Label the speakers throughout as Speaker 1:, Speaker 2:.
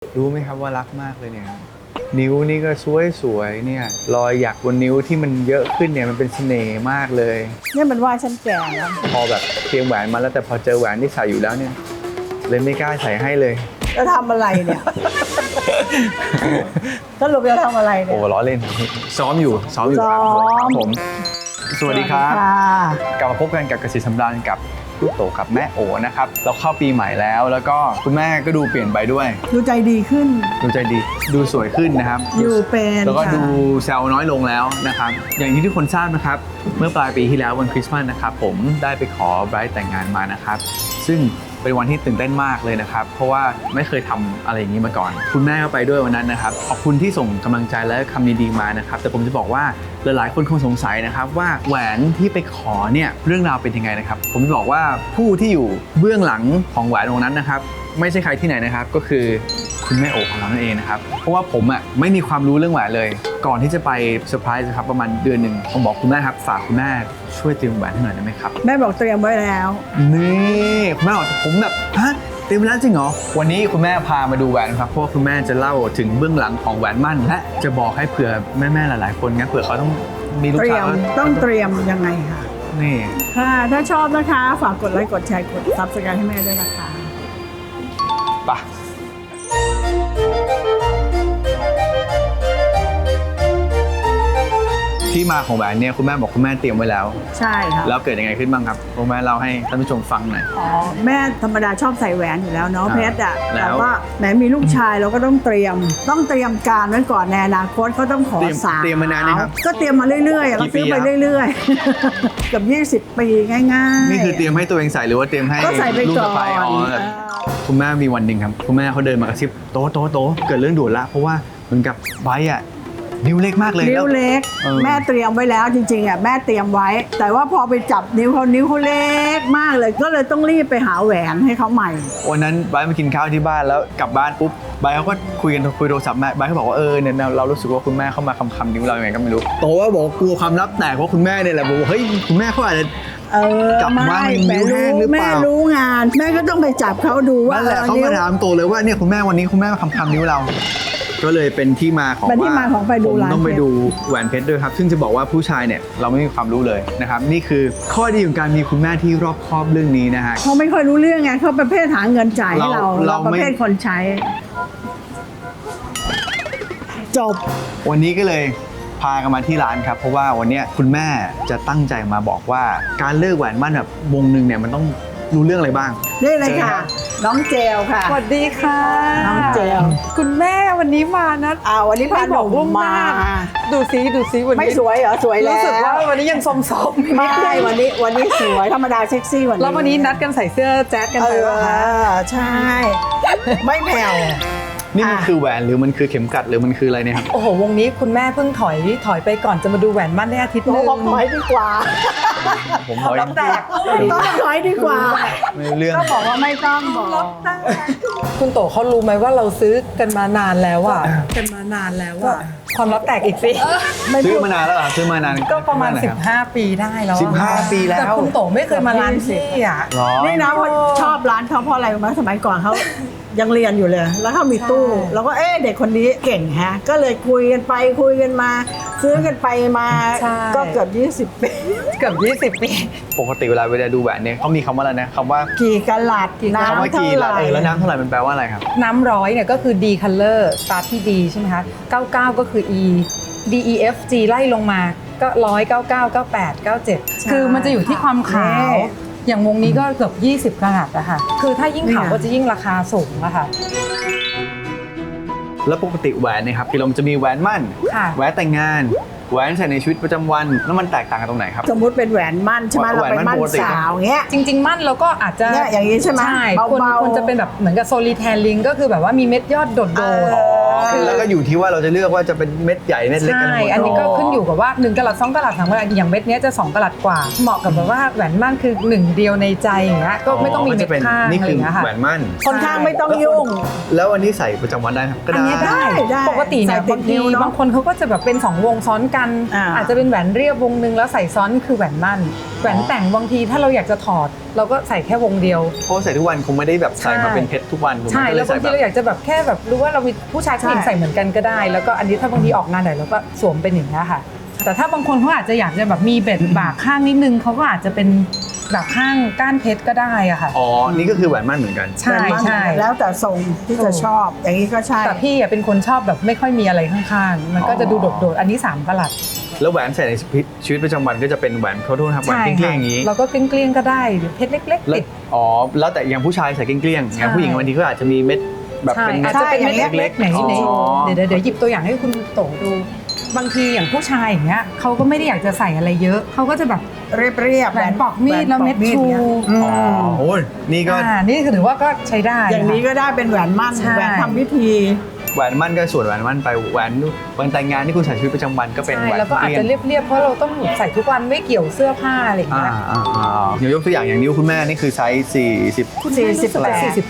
Speaker 1: รู้ไหมครับว่ารักมากเลยเนี่ยนิ้วนี่ก็สวยๆเนี่ยรอยหยักบนนิ้วที่มันเยอะขึ้นเนี่ยมันเป็นเสน่ห์มากเลย
Speaker 2: เนี่ยมันว่าฉันแก่แล้ว
Speaker 1: พอแบบเตรียมแหวนมาแล้วแต่พอเจอแหวนที่ใส่อยู่แล้วเนี่ยเลยไม่กล้าใส่ให้เลย
Speaker 2: จะทำอะไรเนี่ยสรุปจะทำอะไรเนี่ย
Speaker 1: โอ้ล้อเล่นซ้อมอยู่ครับผมสวัสดีครับกลับมาพบกันกับเกษตรสำราญกับลูกโตกับแม่โอนะครับเราเข้าปีใหม่แล้วก็คุณแม่ก็ดูเปลี่ยนไปด้วย
Speaker 2: ดูใจดีขึ้น
Speaker 1: ดูสวยขึ้นนะครับ
Speaker 2: อยู่เป็น
Speaker 1: แล้วก็ดูแซวน้อยลงแล้วนะครับอย่างที่ทุกคนทราบนะครับเมื่อปลายปีที่แล้ววันคริสต์มาสนะครับผมได้ไปขอไบรท์แต่งงานมานะครับซึ่งเป็นวันที่ตื่นเต้นมากเลยนะครับเพราะว่าไม่เคยทำอะไรอย่างนี้มาก่อนคุณแม่ก็ไปด้วยวันนั้นนะครับขอบคุณที่ส่งกำลังใจและคำดีๆมานะครับแต่ผมจะบอกว่าหลายๆคนคงสงสัยนะครับว่าแหวนที่ไปขอเนี่ยเรื่องราวเป็นยังไงนะครับผมจะบอกว่าผู้ที่อยู่เบื้องหลังของแหวนวงนั้นนะครับไม่ใช่ใครที่ไหนนะครับก็คือคุณแม่โอของเรานั่นเองนะครับเพราะว่าผมไม่มีความรู้เรื่องแหวนเลยก่อนที่จะไปเซอร์ไพรส์ครับประมาณเดือนหนึ่งผมบอกคุณแม่ครับฝากคุณแม่ช่วยเตรียมแหวนให้หน่อยได้ไหมครับ
Speaker 2: แม่บอกเตรียมไว้แล้ว
Speaker 1: นี่คุณแม่บอกผมแบบฮะเตรียมแล้วจริงเหรอวันนี้คุณแม่พามาดูแหวนครับเพราะว่าคุณแม่จะเล่าถึงเบื้องหลังของแหวนมั่นและจะบอกให้เผื่อแม่ๆหลายๆคนงั้นเผื่อเขาต้องมีลูกสาว
Speaker 2: ต้องเตรียมยังไงค่ะ
Speaker 1: นี่
Speaker 2: ค่ะถ้าชอบนะคะฝากกดไลค์กดแชร์กดซับสไครบ์ให้แม่ด้วยนะคะ
Speaker 1: ไปที่มาของแหวนเนี่ยคุณแม่บอกคุณแม่เตรียมไว้แล้ว
Speaker 2: ใช่ครับ
Speaker 1: แล้วเกิดยังไงขึ้นบ้างครับคุณแม่เล่าให้ท่านผู้ชมฟังหน่อย
Speaker 2: อ๋อแม่ธรรมดาชอบใส่แหวนอยู่แล้วเนาะเพชรอ่ะแต่ว่าแม้มีลูกชายเราก็ต้องเตรียมการไว้ก่อนในอนาคตเขาต้องขอสาว
Speaker 1: เตรียมมานานนี่ครับ
Speaker 2: ก็เตรียมมาเรื่อยๆเราซื้อไปเรื่อยๆกับ20 ปีง่ายๆ
Speaker 1: นี่คือเตรียมให้ตัวเองใส่หรือว่าเตรียมให้ลูกสะใภ้คุณแม่มีวันหนึ่งครับคุณแม่เขาเดินมากระซิบโต๊ะเกิดเรื่องด่วนละเพราะว่าเหมือนกับไบร์ทนิ้วเล็กมากเลย
Speaker 2: นิ้วเล็กแม่เตรียมไว้แล้วจริงๆแม่เตรียมไว้แต่ว่าพอไปจับนิ้วเขาเล็กมากเลยก็เลยต้องรีบไปหาแหวนให้เขาใหม่
Speaker 1: วันนั้นไบร์ทมากินข้าวที่บ้านแล้วกลับบ้านปุ๊บไบร์ทเขาก็คุยโทรศัพท์แม่ไบร์ทเขาบอกว่าเนี่ยเรารู้สึกว่าคุณแม่เข้ามาคำนิ้วเราอย่างไรก็ไม่รู้โตว่าบอกกลัวความลับแตกเพราะคุณแม่เนี่ยแหละบอกเฮ้ยคุณแม่เขาอาจจะจับว่านิ้วแห้งหรือเปล่า
Speaker 2: แม่รู้งานแม่ก็ต้องไปจับเขาดูว่า
Speaker 1: นั่นแหละเขามาถามโตเลยว่าเนี่ยคุณแม่วันนี้คุณแม่มาคำนิ้วเราก็เลยเป็นที่มาของว่าผมต้องไปดูแหวนเพชรด้วยครับซึ่งจะบอกว่าผู้ชายเนี่ยเราไม่มีความรู้เลยนะครับนี่คือข้อดีของการมีคุณแม่ที่รอบคอบเรื่องนี้นะฮะ
Speaker 2: เขาไม่ค่อยรู้เรื่องไงเขาประเภทหาเงินจ่ายให้เราประเภทคนใช้จบ
Speaker 1: วันนี้ก็เลยพากันมาที่ร้านครับเพราะว่าวันนี้คุณแม่จะตั้งใจมาบอกว่าการเลิกแหวนมั่นแบบวงหนึ่งเนี่ยมันต้องรู้เรื่องอะไรบ้าง
Speaker 2: นี่เลยค่ะน้องเจลค่ะ
Speaker 3: สวัสดีค่ะ
Speaker 2: น้องเจล
Speaker 3: คุณแม่วันนี้มานะ
Speaker 2: วันนี้พาหนุ่มมา
Speaker 3: ดูซิวันนี้
Speaker 2: ไม่สวยเหรอสวยแล้ว
Speaker 3: รู้สึกว่าวันนี้ยังสมๆ
Speaker 2: ไม่วันนี้สวยธรรมดาเซ็กซี่วันนี้
Speaker 3: แล้ววันนี้นัดกันใส่เสื้อแจ๊สกันไปว่า
Speaker 2: ใช่ไม่แผ่ว
Speaker 1: นี่มันคือแหวนหรือมันคือเข็มกลัดหรือมันคืออะไรเนี่ยครับ
Speaker 3: โอ้โหวงนี้คุณแม่เพิ่งถอยไปก่อนจะมาดูแหวนมั่นได้อาทิตย์นึง
Speaker 2: ถอยดีกว่า
Speaker 1: ผมถอย
Speaker 3: แตก
Speaker 2: ถอยดีกว่า
Speaker 1: ไม่เรื่อง
Speaker 2: ก็บอกว่าไม่ต้องบอก
Speaker 3: คุณโตเขารู้ไหมว่าเราซื้อกันมานานแล้วความลับแตกอีกสิ
Speaker 1: ซื้อมานานแล้วเหรอซื้อมานาน
Speaker 3: ก็ประมาณ15 ปีได้แล้ว
Speaker 1: 15 ปีแล้ว
Speaker 3: แต่คุณโตไม่เคยมาร้านที่
Speaker 2: นี่นะว่าชอบร้านเขาเพราะอะไรมาสมัยก่อนเขายังเรียนอยู่เลยแล้วเขามีตู้แล้วก็เด็กคนนี้เก่งฮะก็เลยคุยกันไปคุยกันมาซื้อกันไปมาก็เกือบ20 ปี
Speaker 1: ปกติเวลาดูแหวนเนี่ยเขามีคำว่าอะไรนะคำว่า
Speaker 2: กี่กะลัด
Speaker 1: น้ำเท่าไหร่แล้วน้ำเท่าไหร่มันแปลว่าอะไรครับ
Speaker 3: น้ำ100เนี่ยก็คือ D color start ที่ D ใช่ไหมคะ99ก็คือ E D E F G ไล่ลงมาก็100 99 98 97คือมันจะอยู่ที่ความขาวอย่างวงนี้ก็เกือบ20 กะรัตอะค่ะคือถ้ายิ่งขาวก็จะยิ่งราคาสูงอะค่ะ
Speaker 1: แล้วปกติแหวนเนี่ยครับพี่ลมจะมีแหวนมั่นแหวนแต่งงานแหวนใส่ในชีวิตประจำวันแล้วมันแตกต่างกันตรงไหนครับ
Speaker 2: สมมุติเป็นแหวนมั่นใช่ไหมเราเป็นมั่นสาวเงี้ย
Speaker 3: จริงๆมั่นเราก็อาจจะ
Speaker 2: อย่างนี้ใช่ไหม
Speaker 3: ควรจะเป็นแบบเหมือนกับโซลิแทนลิงก็คือแบบว่ามีเม็ดยอดโดด
Speaker 1: แล้วก็อยู่ที่ว่าเราจะเลือกว่าจะเป็นเม็ดใหญ่เม็ดเล็กกันห
Speaker 3: ใช่
Speaker 1: มด
Speaker 3: อันนี้ก็ขึ้นอยู่กับว่า1กะรัต2กะรัต3กะรัตอย่างเม็ดเนี้ยจะ2กะรัตกว่าเหมาะกับแบบว่าแหวนมั่นคือ1เดียวในใจอย่างเงี้ยก็ไม่ต้องมีเม็ดข้าง
Speaker 1: นี่
Speaker 3: อะไร
Speaker 1: คือ
Speaker 3: อย่างเงี้ยค่ะ
Speaker 1: แหวนมั่น
Speaker 2: คนข้างไม่ต้องยุ่ง
Speaker 1: แล้วอันนี้ใส่ประจำวันได้ครับก็
Speaker 3: อัน
Speaker 1: ได้
Speaker 3: เนี้ยได้
Speaker 2: ได้
Speaker 3: ปกติเนี่ย
Speaker 2: ใส่ติ
Speaker 3: บา
Speaker 2: ด
Speaker 3: ง
Speaker 2: นิ้
Speaker 3: ที
Speaker 2: วเนอะ
Speaker 3: บางคนเขาก็จะแบบเป็น2วงซ้อนกัน อาจจะเป็นแหวนเรียบวงนึงแล้วใส่ซ้อนคือแหวนมั่นแหวนแต่งบางทีถ้าเราอยากจะถอดเราก็ใส่แค่วงเดียว
Speaker 1: เพราะใส่ทุกวันคงไม่ได้แบบใส่มาเป็นเพชรทุกวันถูกไหม
Speaker 3: ใช่
Speaker 1: ก็เย
Speaker 3: แล้วบางที
Speaker 1: ใส่
Speaker 3: เราอยากจะแบบแค่แบบรู้ว่าเรามีผู้ชายผู้หญิงใส่เหมือนกันก็ได้ แล้วก็อันนี้ถ้าบางทีออกงานไหนเราก็สวมเป็นอย่างนี้ยค่ะ แต่ถ้าบางคนเขาอาจจะอยากจะแบบมีเบ็ดบากข้างนิดนึงเขาก็อาจจะเป็นแบบข้างก้านเพชรก็ได้อะค่ะ
Speaker 1: อ๋อนี่ก็คือแหวนมั่นเหมือนกัน
Speaker 3: ใช่ใช่
Speaker 2: แล้วแต่ทรงที่จะชอบ อย่างนี้ก็ใช่
Speaker 3: แต่พี่อะเป็นคนชอบแบบไม่ค่อยมีอะไรข้างๆมันก็จะดูโดดๆอันนี้3กะรัต
Speaker 1: แล้วแหวนใส่ในชีวิตประจำวันก็จะเป็นแหวนเขาโทษนะครับแหวนเกลี้ยงๆอย่างนี้
Speaker 3: เราก็เกลี้ยงๆก็ได้หรือเพชรเล็กๆ
Speaker 1: แล้ว
Speaker 3: ติด
Speaker 1: อ๋อแล้วแต่อย่างผู้ชายใส่เกลี้ยงๆอย่างผู้หญิงบางทีก็อาจจะมีเม็ดแบบ
Speaker 3: ใช่
Speaker 1: เป็นเม็
Speaker 3: อา
Speaker 1: ด
Speaker 3: จจะเป็นเม็ด
Speaker 2: ใช่
Speaker 3: เล็กๆไหน
Speaker 1: อ๋อ
Speaker 3: เดี๋ยวหยิบตัวอย่างให้คุณโตดูบางทีอย่างผู้ชายอย่างเงี้ยเขาก็ไม่ได้อยากจะใส่อะไรเยอะเขาก็จะแบบ
Speaker 2: เรียบๆ
Speaker 3: แหวนปอกมีดแล้วเม็ดชู
Speaker 1: อ๋อโอ้ยนี่ก็
Speaker 3: นี่คือถือว่าก็ใช้ได้
Speaker 2: อย่างนี้
Speaker 3: ค่ะ
Speaker 2: ก็ได้เป็นแหวนมั่น
Speaker 3: ใช่
Speaker 2: แหวนทำพิธี
Speaker 1: แหวนมั่นก็ส่วนแหวนมั่นไปแหวนวันแต่งงานที่คุณใส่ชีวิตประจำวันก็เป็น
Speaker 3: ใช่
Speaker 1: แหวน
Speaker 3: แล้วก็อาจจะ
Speaker 1: เกลี้ยง
Speaker 3: เรียบๆเพราะเราต้องใส่ทุกวันไม่เกี่ยวเสื้อผ้าอะไรอย่างเงี้ย
Speaker 1: อย่างยกตัวอย่างอย่างนิ้วคุณแม่นี่คือไซส์40
Speaker 3: คุณแม่รู้สึกจะ48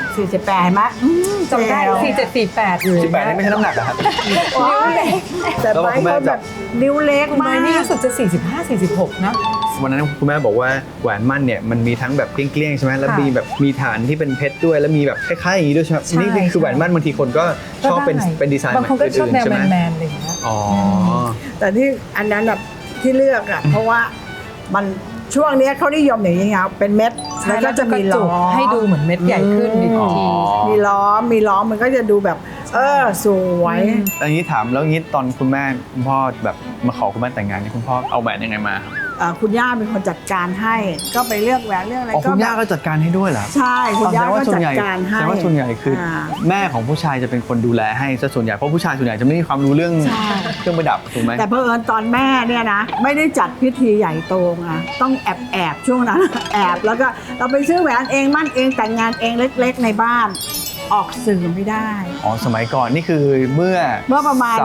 Speaker 2: 48เห็นไหม
Speaker 3: จำได้4748อยู่
Speaker 1: 18นี่ไม่ใช่น้ำหนักเหรอครับ
Speaker 2: นิ้วเล็กแต่
Speaker 1: แล้ว
Speaker 2: ไบ
Speaker 1: คุณแม่
Speaker 2: เขา
Speaker 1: จั
Speaker 2: แบบ บนิ้วเล็ก
Speaker 3: คุณ
Speaker 2: มา
Speaker 3: แม่
Speaker 2: ก
Speaker 3: นี่รู้สึกจะ45 46นะ
Speaker 1: วันนั้นคุณแม่บอกว่าแหวนมั่นเนี่ยมันมีทั้งแบบเกลี้ยงๆใช่ไหมแล้ว
Speaker 3: ค่ะ
Speaker 1: มีแบบมีฐานที่เป็นเพชรด้วยแล้วมีแบบคล้ายๆอย่างนี้ด้วยใช่ไหม
Speaker 3: ใช่
Speaker 1: นี่คือแหวนมั่นบางทีคนก็ชอบเป็น
Speaker 3: ก็ได้
Speaker 1: เป็นดีไซน์
Speaker 3: บางคนก็ชอบแนว
Speaker 1: ใช่ไหม
Speaker 3: แมนๆอะไรอย่างเงี้ย
Speaker 1: อ๋อ
Speaker 2: แต่ที่อันนั้นแบบที่เลือกอ่ะเพราะว่ามันช่วงเนี้ยเขานิยมอย่างนี้ครับเป็นเม็ดแล้วก็จะมีล้อ
Speaker 3: ให้ดูเหมือนเม็ดใหญ่ขึ้นอีกที
Speaker 2: มีล้อมันก็จะดูแบบ สวย
Speaker 1: อันนี้ถามแล้วงี้ตอนคุณแม่คุณพ่อแบบมาขอคุณแม่แต่งงานนี่คุณพ่อเอาแหวนยังไงมาครับ
Speaker 2: คุณย่าเป็นคนจัดการให้ ก็ไปเลือกแหวนเลือกอะไร
Speaker 1: อ๋อคุณย่า
Speaker 2: แบบ
Speaker 1: ก็จัดการให้ด้วยเหรอ
Speaker 2: ใช่คุณย่าก็
Speaker 1: ส่ว
Speaker 2: จั
Speaker 1: น
Speaker 2: ด
Speaker 1: ใหญ่
Speaker 2: การให้
Speaker 1: แต่ว่าส่วนใหญ่คืออา แม่ของผู้ชายจะเป็นคนดูแลให้ซะส่วนใหญ่เพราะผู้ชายส่วนใหญ่จะไม่มีความรู้เรื่อง
Speaker 2: ใช่
Speaker 1: เครื่องประดับถูกไหม
Speaker 2: แต่เผอิญตอนแม่เนี่ยนะไม่ได้จัดพิธีใหญ่โตไงต้องแอบช่วงนั้น แอบแล้วก็เราไปซื้อแหวนเองมั่นเองแต่งงานเองเล็กๆในบ้านออกสื่อไม่ได้
Speaker 1: อ๋อสมัยก่อนนี่คือเมื่อ
Speaker 2: ประมาณ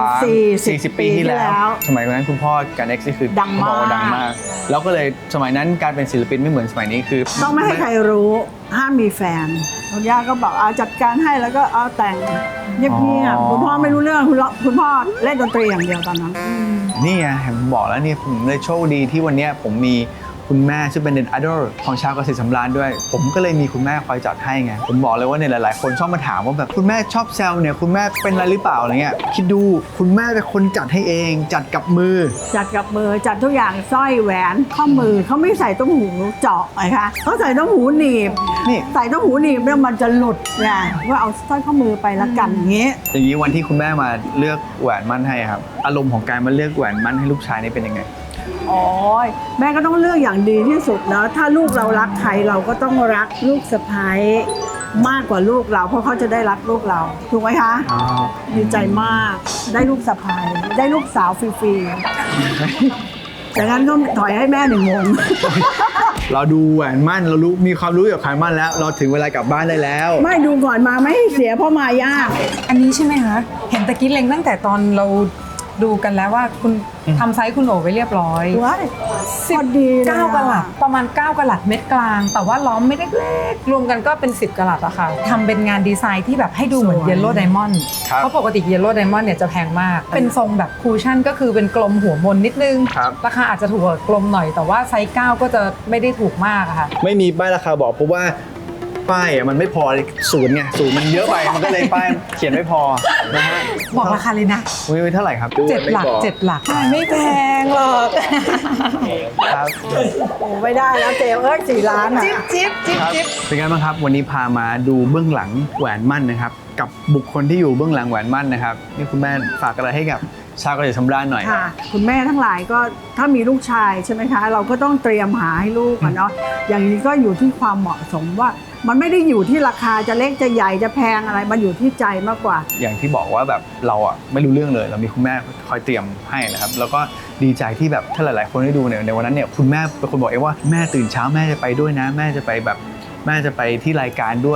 Speaker 1: 40 ปีที่แล้ว สมัยนั้นคุณพ่อการเอ็กซ์นี่คือ
Speaker 2: ดังมาก
Speaker 1: บอกว่าดังมาก แล้วก็เลยสมัยนั้นการเป็นศิลปินไม่เหมือนสมัยนี้คือ
Speaker 2: ต้องไม่ให้ใครรู้ห้ามมีแฟนคุณย่าก็บอกจัดการให้แล้วก็เอาแต่งเงียบๆคุณพ่อไม่รู้เรื่องคุณพ่อเล่นดนตรีอย่างเดียวตอนนั้น
Speaker 1: นี่ไงผมบอกแล้วนี่ผมเลยโชคดีที่วันเนี้ยผมมีคุณแม่ซึ่งเป็นเน็ตไอดอลของชาวเกษตรสำราญด้วย ผมก็เลยมีคุณแม่คอยจัดให้ไงผมบอกเลยว่าเนี่ยหลายๆ คนชอบมาถามว่าแบบคุณแม่ชอบแซวเนี่ยคุณแม่เป็นอะไรหรือเปล่าอะไรเงี้ยคิดดูคุณแม่เป็นคนจัดให้เองจัดกับมือ
Speaker 2: จัดกับมือจัดทุกอย่างสร้อยแหวนข้อมือเขาไม่ใส่ต้มหูเจาะไงคะเขาใส่ต้มหูหนีบ
Speaker 1: นี่
Speaker 2: ใส่ต้มหูหนีบเนี่ยมันจะหลุดไงว่าเอาสร้อยข้อมือไปละกันอย่างเงี้ย
Speaker 1: อย่างนี้วันที่คุณแม่มาเลือกแหวนมั่นให้ครับอารมณ์ของการมาเลือกแหวนมั่นให้ลูกชายนี่เป็นยังไง
Speaker 2: โอ้ยแม่ก็ต้องเลือกอย่างดีที่สุดนะถ้าลูกเรารักใครเราก็ต้องรักลูกสะใภ้มากกว่าลูกเราเพราะเขาจะได้รักลูกเราถูกไหมคะ
Speaker 1: อ๋อ
Speaker 2: ดีใจมากได้ลูกสะใภ้ได้ลูกสาวฟรีๆจากนั้นก็ถอยให้แม่1 โมง
Speaker 1: เราดูแหวนมั่นเรารู้มีความรู้เกี่ยวกับแหวนมั่นแล้ว เราถึงเวลากลับบ้านได้แล้ว
Speaker 2: ไม่ดูก่อนมาไม่ให้เสียเพราะมายาก
Speaker 3: อันนี้ใช่ไหมคะ เห็นตะกี้เล็งตั้งแต่ตอนเราดูกันแล้วว่าคุณทำไซส์คุณโอไว้เรียบร้อย
Speaker 2: ว้ายพอดีเลย
Speaker 3: 9 กะรัตประมาณ 9 กะรัตเม็ดกลาง แต่ว่าล้อมไม่ได้เล็กรวมกันก็เป็น 10 กะรัตอะค่ะทำเป็นงานดีไซน์ที่แบบให้ดูเหมือนเยลโล่ไดมอนด์
Speaker 1: ครับ
Speaker 3: เพราะปกติเยลโล่ไดมอนด์เนี่ยจะแพงมาก เป็นทรงแบบคูชั่นก็คือเป็นกลมหัวมนนิดนึง
Speaker 1: ครับ
Speaker 3: ราคาอาจจะถูกกว่ากลมหน่อยแต่ว่าไซส์9ก็จะไม่ได้ถูกมากอะค่ะ
Speaker 1: ไม่มีป้ายราคาบอกเพราะว่าป้ายอ่ะมันไม่พอศูนย์ไงศูนย์มันเยอะไปมันก็เลยป้ายเขียนไม่พอนะฮะ
Speaker 3: บอกราคาเลยนะ
Speaker 1: ไม่เท่าไหร่ครับ
Speaker 3: 7 หลัก 7 หลักไม่แพงหรอก
Speaker 1: ครับ
Speaker 2: โอ้ไม่ได้แล้วเจล4 ล้านอ่ะ
Speaker 3: จิ๊บจิ๊บจิ๊บ
Speaker 1: ครับ
Speaker 3: จิ๊บ
Speaker 1: เป็นไงบ้างครับวันนี้พามาดูเบื้องหลังแหวนมั่นนะครับกับบุคคลที่อยู่เบื้องหลังแหวนมั่นนะครับนี่คุณแม่ฝากอะไรให้กับชาวเกษตรสำราญหน่อย
Speaker 2: ค่ะ คุณแม่ทั้งหลายก็ถ้ามีลูกชายใช่ไหมคะ เราก็ต้องเตรียมหาให้ลูกอะเนาะอย่างนี้ก็อยู่ที่ความเหมาะสมว่ามันไม่ได้อยู่ที่ราคาจะเล็กจะใหญ่จะแพงอะไรมันอยู่ที่ใจมากกว่า
Speaker 1: อย่างที่บอกว่าแบบเราอ่ะไม่รู้เรื่องเลยเรามีคุณแม่คอยเตรียมให้นะครับแล้วก็ดีใจที่แบบถ้าหลายๆคนได้ดูเนี่ยในวันนั้นเนี่ยคุณแม่เป็นคนบอกเองว่าแม่ตื่นเช้าแม่จะไปด้วยนะ แม่จะไปแบบแม่จะไปที่รายการด้วย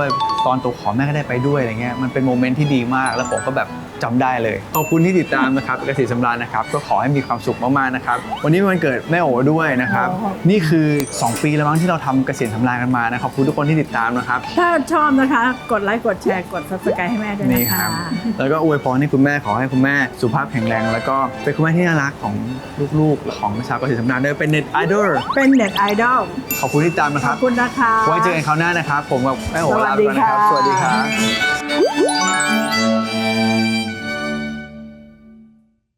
Speaker 1: ตอนตัวขอแม่ก็ได้ไปด้วยอะไรเงี้ยมันเป็นโมเมนต์ที่ดีมากแล้วผมก็แบบจำได้เลยขอบคุณที่ติดตามนะครับเกษตรสำราญนะครับก็ขอให้มีความสุขมากๆนะครับวันนี้เป็นวันเกิดแม่โอ๋ด้วยนะครับนี่คือ2 ปีแล้วมั้งที่เราทำเกษตรสำราญกันมานะขอบคุณทุกคนที่ติดตามนะครับ
Speaker 2: ถ้าชอบนะคะ กดไลค์กดแชร์กด subscribe ให้แม่ด้วย
Speaker 1: นี่
Speaker 2: นะ
Speaker 1: ค
Speaker 2: คะ
Speaker 1: รับแล้วก็อวยพรให้คุณแม่ขอให้คุณแม่สุขภาพแข็งแรงแล้วก็เป็นคุณแม่ที่น่ารักของลูกๆของชาวเกษตรสำราญด้วยเป็นเน็ตไอดอล
Speaker 2: เป็นเน็ตไอดอล
Speaker 1: ขอบคุณที่ติดตามนะ
Speaker 2: ข
Speaker 1: ค
Speaker 2: อ
Speaker 1: รั
Speaker 2: บบ คุณนะคะ
Speaker 1: ไว้เจอกันคราวหน้านะครับผมกับแม่โอ๋ลาไปก่อนนะครับ สวัสดีครับ